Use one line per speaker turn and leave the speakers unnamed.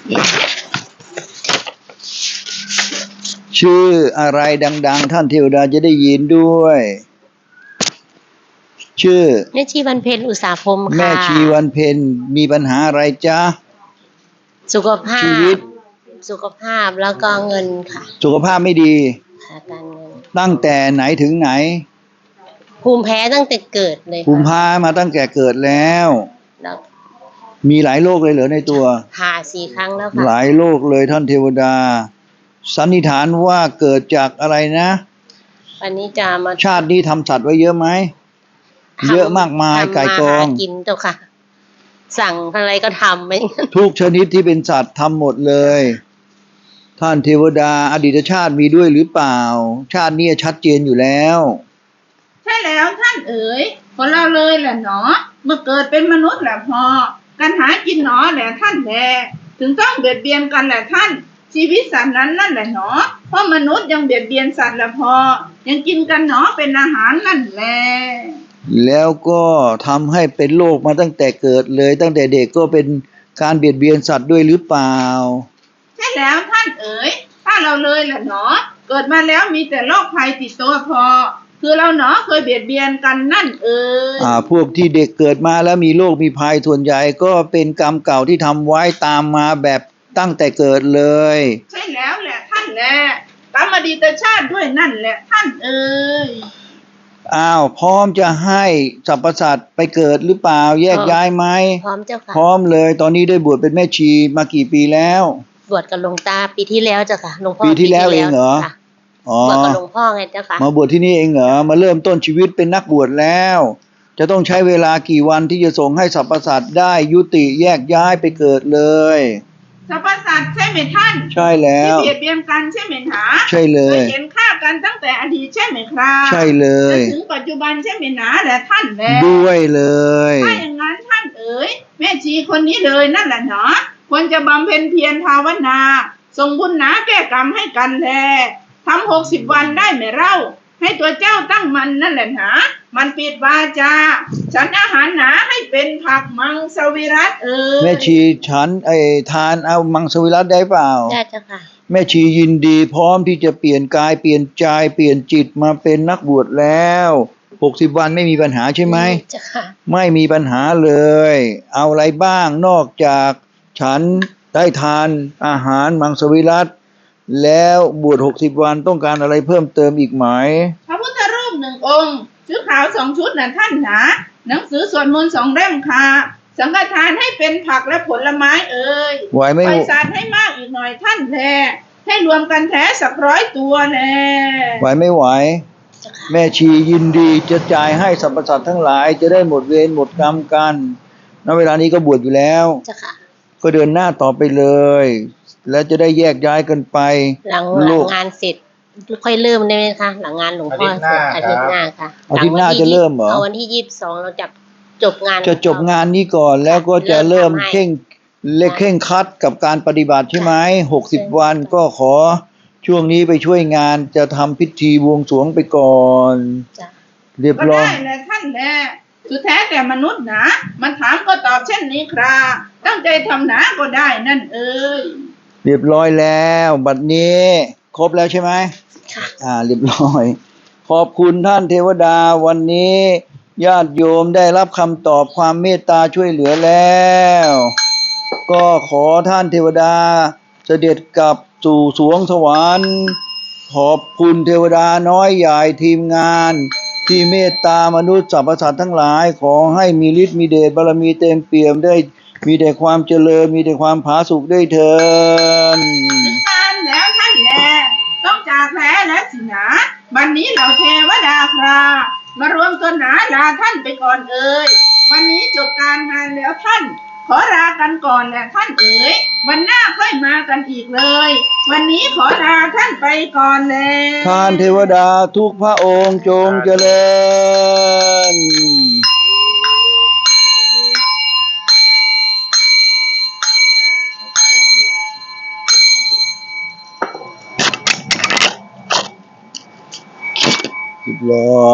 ชื่ออะไรดังๆท่านเทวดาจะได้ยินด้วยชื่อ
แม่ชีวันเพ็ญอุตสาพรหมค่ะ
แม่ชีวันเพ็ญมีปัญหาอะไรจ๊ะ
สุขภา
ชี
พ
วิต
แล้วก็เงินค่ะ
สุขภาพไม่ดี
การเงิน
ตั้งแต่ไหนถึงไหน
ภูมิแพ้ตั้งแต่เกิดเลย
ภูมิแพ้มาตั้งแต่เกิดแล้วมีหลายโรคเลยเหรอในตัว
ผ่า4 ครั้งแล้วค่ะ
หลายโรคเลยท่านเทวดาสันนิษฐานว่าเกิดจากอะไรนะ
วันนี้จะมา
ชาตินี้ทำสัตว์ไว้เยอะไหมเยอะมากมายไก่กอง
กินเจ้าค่ะสั่งอะไรก็ทำไม่
ทุกชนิดที่เป็นสัตว์ทำหมดเลยท่านเทวดาอดีตชาติมีด้วยหรือเปล่าชาตินี้ชัดเจนอยู่แล้ว
ใช่แล้วท่านเอ๋ยคนเราเลยแหละเนาะเมื่อเกิดเป็นมนุษย์แหละพอการหากินเนาะแหละท่านแลถึงต้องเบียดเบียนกันแหละท่านชีวิตสัตว์นั้นนั่นแหละเนาะเพราะมนุษย์ยังเบียดเบียนสัตว์แหละพอยังกินกันเนาะเป็นอาหารนั่นแหละ
แล้วก็ทำให้เป็นโรคมาตั้งแต่เกิดเลยตั้งแต่เด็กก็เป็นการเบียดเบียนสัตว์ด้วยหรือเปล่า
ใช่แล้วท่านเอ๋ยถ้าเราเลยแหละเนาะเกิดมาแล้วมีแต่โรคภัยติดตัวพอคือเราเนาะเคยเบียดเบียนกันนั่นเอ๋ย
พวกที่เด็กเกิดมาแล้วมีโรคมีภัยส่วนใหญ่ก็เป็นกรรมเก่าที่ทำไว้ตามมาแบบตั้งแต่เกิดเลย
ใช่แล้วแหละท่านแหละกรรมอดีตชาติด้วยนั่นแหละท่านเอ๋ย
พร้อมจะให้สรรพสัตว์ไปเกิดหรือเปล่าแยกย้ายไหม
พร้อมเจ้าค่ะ
พร้อมเลยตอนนี้ได้บวชเป็นแม่ชีมากี่ปีแล้ว
บวชกับหลวงตาปีที่แล้วเจ้าค่ะหลวงพ่อ
ปีที่แล้วเองเหรอบ
วชกับหลวงพ่อไงเจ้าค่ะ
มาบวชที่นี่เองเหรอมาเริ่มต้นชีวิตเป็นนักบวชแล้วจะต้องใช้เวลากี่วันที่จะส่งให้สรรพสัตว์ได้ยุติแยกย้ายไปเกิดเลย
สรรพสัตว์ใช่ไหมท่าน
ใช่แล้ว
ที่เบียดเบียนกันใช่ไหมหา
ใช่เลย
เห็นฆ่ากันตั้งแต่อดีตใช่ไหมครับ
ใช่เลย
จนถึงปัจจุบันใช่ไหมหนาแหละท่านแล
ด้วยเลย
ถ้าอย่างนั้นท่านเอ๋ยแม่ชีคนนี้เลยนั่นแหละเนาะควรจะบำเพ็ญเพียรภาวนาส่งบุญหนาแก้กรรมให้กันแลทำ60 วันได้ไหมเล่าให้ตัวเจ้าตั้งมันนั่นแหละหนามันปิดวาจาฉันอาหารหนาให้เป็นผักมังสวิรัติ
แม่ชีฉันทานเอามังสวิรัติได้เปล่า
ได้เจ้าค่ะ
แม่ชียินดีพร้อมที่จะเปลี่ยนกายเปลี่ยนใจเปลี่ยนจิตมาเป็นนักบวชแล้ว60 วันไม่มีปัญหาใช่ไหม
เจ้าค่ะ
ไม่มีปัญหาเลยเอาอะไรบ้างนอกจากฉันได้ทานอาหารมังสวิรัติแล้วบวช60 วันต้องการอะไรเพิ่มเติมอีกไหม
พระพุทธรูป1 องค์ชุดขาว2 ชุดน่ะท่านหนาหนังสือสวดมนต์2 เล่มค่ะสังฆทานให้เป็นผักและผลไม้
ไหวไหม
ปล่อยสัตว์ให้มากอีกหน่อยท่านแลให้รวมกันแท้สัก100 ตัวแล
ไหวไม่ไหวแม่ชียินดีจะจ่ายให้สรรพสัตว์ทั้งหลายจะได้หมดเวรหมดกรรมกันณเวลานี้ก็บวชอยู่แล้วก็เดินหน้าต่อไปเลยแล้วจะได้แยกย้ายกันไป
หลังงานเสร็จค่อยเริ่มได้ไหมคะหลังงานหลวงพ่ออาทิตย์หน้าค่ะ
อาทิตย์หน้าจะเริ่มเหรอ
วันที่22เราจะจบงาน
จะจบงานนี้ก่อนแล้วก็จะเริ่มเคร่งครัดกับการปฏิบัติใช่ไหม60 วันก็ขอช่วงนี้ไปช่วยงานจะทำพิธีบวงสรวงไปก่อนเรียบร้อย
ก็ได้เลยท่านแลสุดแท้แต่มนุษย์นะมันถามก็ตอบเช่นนี้ครับตั้งใจทำหนาก็ได้นั่น
เรียบร้อยแล้วบัดนี้ครบแล้วใช่ไหม
ค่ะ
เรียบร้อยขอบคุณท่านเทวดาวันนี้ญาติโยมได้รับคำตอบความเมตตาช่วยเหลือแล้วก็ขอท่านเทวดาเสด็จกลับสู่สวงสวรรค์ขอบคุณเทวดาน้อยใหญ่ทีมงานที่เมตตามนุษย์สรรพสัตว์ทั้งหลายขอให้มีฤทธิ์มีเดชบารมีเต็มเปี่ยมได้มีแต่ความเจริญมีแต่ความผาสุกได้เถิด
การแล้วท่านแลต้องจากแผลและสินะบัดนี้เราเทวดาครามารวมตัวหนาลาท่านไปก่อนวันนี้จบการงานแล้วท่านขอลากันก่อนแหละท่านวันหน้าค่อยมากันอีกเลยวันนี้ขอลาท่านไปก่อนเลย
ท่านเทวดาทุกพระองค์จงเจริญเรียบร้อย